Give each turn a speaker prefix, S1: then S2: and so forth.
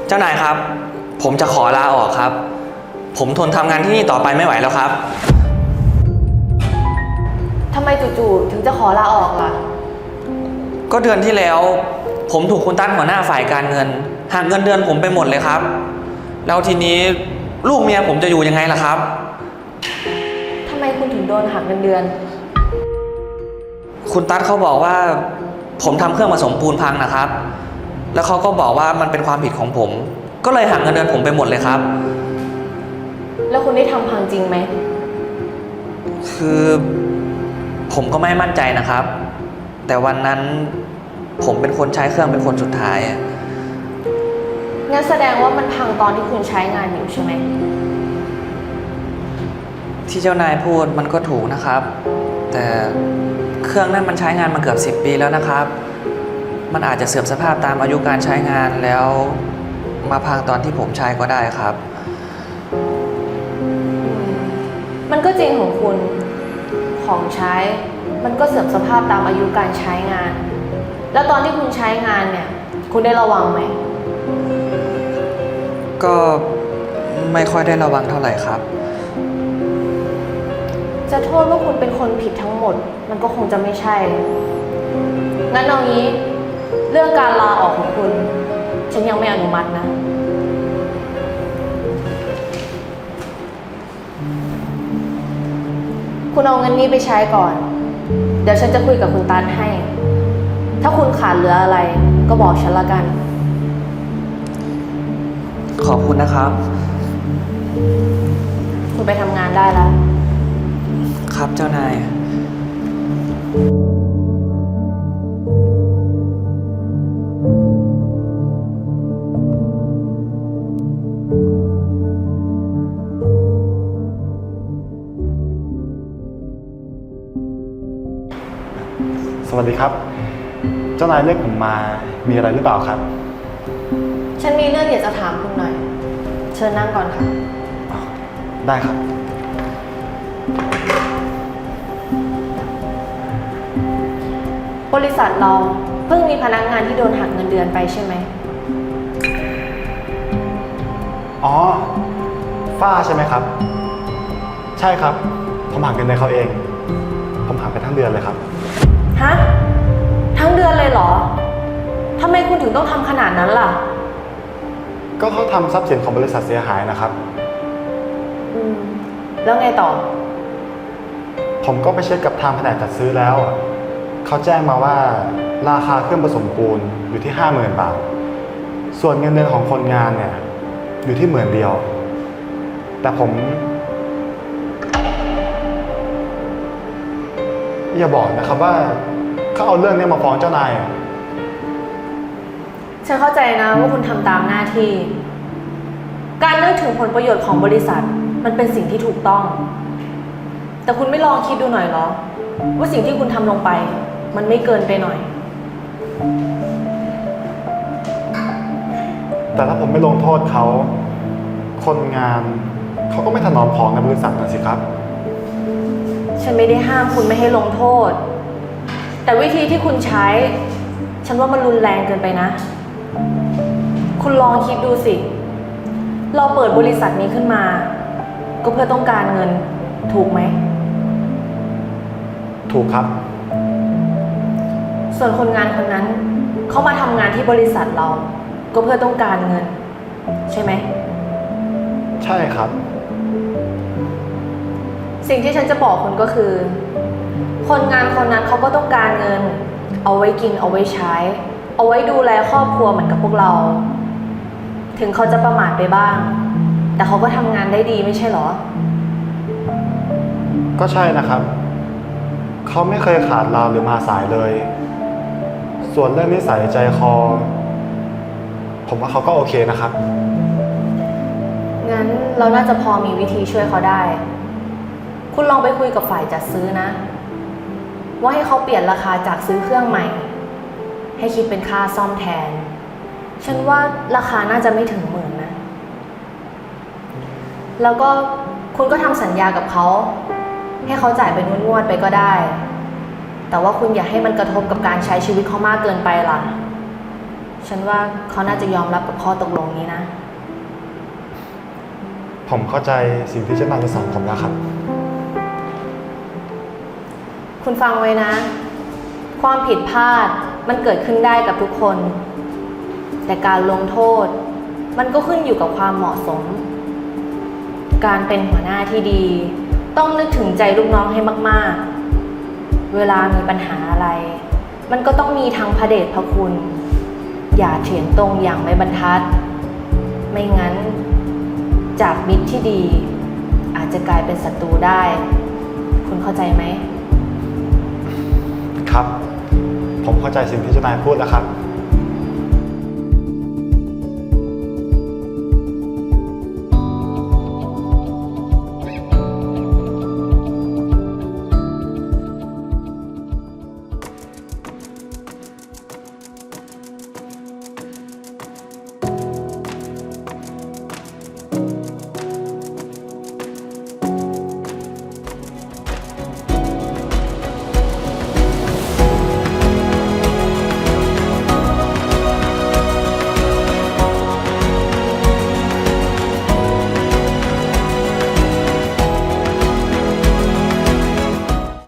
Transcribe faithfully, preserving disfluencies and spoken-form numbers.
S1: เจ้านายครับผมจะขอลาออกครับผมทนทำงานที่นี่ต่อไปไม่ไหวแล้วครับ
S2: ทำไมจู่ๆถึงจะขอลาออกล่ะ
S1: ก็เดือนที่แล้วผมถูกคุณตั้นหัวหน้าฝ่ายการเงินหักเงินเดือนผมไปหมดเลยครับแล้วทีนี้ลูกเมียผมจะอยู่ยังไงล่ะครับ
S2: ทำไมคุณถึงโดนหักเงินเดือน
S1: คุณตั้นเขาบอกว่าผมทำเครื่องผสมปูนพังนะครับแล้วเขาก็บอกว่ามันเป็นความผิดของผมก็เลยหักเงินเดือนผมไปหมดเลยครับ
S2: แล้วคุณได้ทำพังจริงไหม
S1: คือผมก็ไม่มั่นใจนะครับแต่วันนั้นผมเป็นคนใช้เครื่องเป็นคนสุดท้าย
S2: งั้นแสดงว่ามันพังตอนที่คุณใช้งานอยู่ใช่ไหม
S1: ที่เจ้านายพูดมันก็ถูกนะครับแต่เครื่องนั้นมันใช้งานมาเกือบสิบปีแล้วนะครับมันอาจจะเสื่อมสภาพตามอายุการใช้งานแล้วมาพังตอนที่ผมใช้ก็ได้ครับ
S2: มันก็จริงของคุณของใช้มันก็เสื่อมสภาพตามอายุการใช้งานแล้วตอนที่คุณใช้งานเนี่ยคุณได้ระวังไหม
S1: ก็ไม่ค่อยได้ระวังเท่าไหร่ครับ
S2: จะโทษว่าคุณเป็นคนผิดทั้งหมดมันก็คงจะไม่ใช่งั้นเอางี้เรื่องการลาออกของคุณฉันยังไม่อนุมัตินะคุณเอาเงินนี้ไปใช้ก่อนเดี๋ยวฉันจะคุยกับคุณตันให้ถ้าคุณขาดเหลืออะไรก็บอกฉันละกัน
S1: ขอบคุณนะครับ
S2: คุณไปทำงานได้แล้ว
S1: ครับเจ้านาย
S3: สวัสดีครับเจ้านายเรียกผมมามีอะไรหรือเปล่าครับ
S2: ฉันมีเรื่องอยากจะถามคุณหน่อยเชิญนั่งก่อนค่ะ
S3: ได้ครับ
S2: บริษัทเราเพิ่งมีพนักงานที่โดนหักเงินเดือนไปใช่ไหม
S3: อ๋อฝ้าใช่ไหมครับใช่ครับผมหักเงินเดือนเขาเองผมหักไปทั้งเดือนเลยครับ
S2: ฮะทั้งเดือนเลยเหรอทำไมคุณถึงต้องทำขนาดนั้นล่ะ
S3: ก็เขาทำทรัพย์สินของบริษัทเสียหายนะครับ
S2: อืมแล้วไงต่อ
S3: ผมก็ไปเช็คกับทางแผนกจัดซื้อแล้วเขาแจ้งมาว่าราคาเครื่องผสมปูนอยู่ที่ห้าหมื่นบาทส่วนเงินเดือนของคนงานเนี่ยอยู่ที่หมื่นเดียวแต่ผมอย่าบอกนะครับว่าเขาเอาเรื่องนี้มาฟ้องเจ้านาย
S2: ฉันเข้าใจนะว่าคุณทำตามหน้าที่การนึกถึงผลประโยชน์ของบริษัทมันเป็นสิ่งที่ถูกต้องแต่คุณไม่ลองคิดดูหน่อยเหรอว่าสิ่งที่คุณทำลงไปมันไม่เกินไปหน่อย
S3: แต่ถ้าผมไม่ลงโทษเขาคนงานเขาก็ไม่ถนอมของในบริษัทนะสิครับ
S2: ฉันไม่ได้ห้ามคุณไม่ให้ลงโทษแต่วิธีที่คุณใช้ฉันว่ามันรุนแรงเกินไปนะคุณลองคิดดูสิเราเปิดบริษัทนี้ขึ้นมาก็เพื่อต้องการเงินถูกไหม
S3: ถูกครับ
S2: ส่วนคนงานคนนั้นเขามาทำงานที่บริษัทเราก็เพื่อต้องการเงินใช่ไหม
S3: ใช่ครับ
S2: สิ่งที่ฉันจะบอกคุณก็คือคนงานคนนั้นเขาก็ต้องการเงินเอาไว้กินเอาไว้ใช้เอาไว้ดูแลครอบครัวเหมือนกับพวกเราถึงเขาจะประมาทไปบ้างแต่เขาก็ทำงานได้ดีไม่ใช่หรอ
S3: ก็ใช่นะครับเขาไม่เคยขาดลาหรือมาสายเลยส่วนเรื่องนิสัยใจคอผมว่าเขาก็โอเคนะครับ
S2: งั้นเราน่าจะพอมีวิธีช่วยเขาได้คุณลองไปคุยกับฝ่ายจัดซื้อนะว่าให้เขาเปลี่ยนราคาจากซื้อเครื่องใหม่ให้คิดเป็นค่าซ่อมแทนฉันว่าราคาน่าจะไม่ถึงหมื่นนะแล้วก็คุณก็ทำสัญญากับเขาให้เขาจ่ายเป็นงวดๆไปก็ได้แต่ว่าคุณอย่าให้มันกระทบกับการใช้ชีวิตเขามากเกินไปล่ะฉันว่าเขาน่าจะยอมรับกับข้อตกลงนี้นะ
S3: ผมเข้าใจสิ่งที่เจ้านายจะสอนผมแล้วครับ
S2: คุณฟังไว้นะ ความผิดพลาดมันเกิดขึ้นได้กับทุกคน แต่การลงโทษ มันก็ขึ้นอยู่กับความเหมาะสม การเป็นหัวหน้าที่ดี ต้องนึกถึงใจลูกน้องให้มากๆ เวลามีปัญหาอะไร มันก็ต้องมีทั้งพระเดชพระคุณ อย่าเถียงตรงอย่างไม่บรรทัด ไม่งั้น จากมิตรที่ดี อาจจะกลายเป็นศัตรูได้ คุณเข้าใจไหม
S3: ครับ ผมเข้าใจสิ่งที่เจ้านายพูดแล้วครับ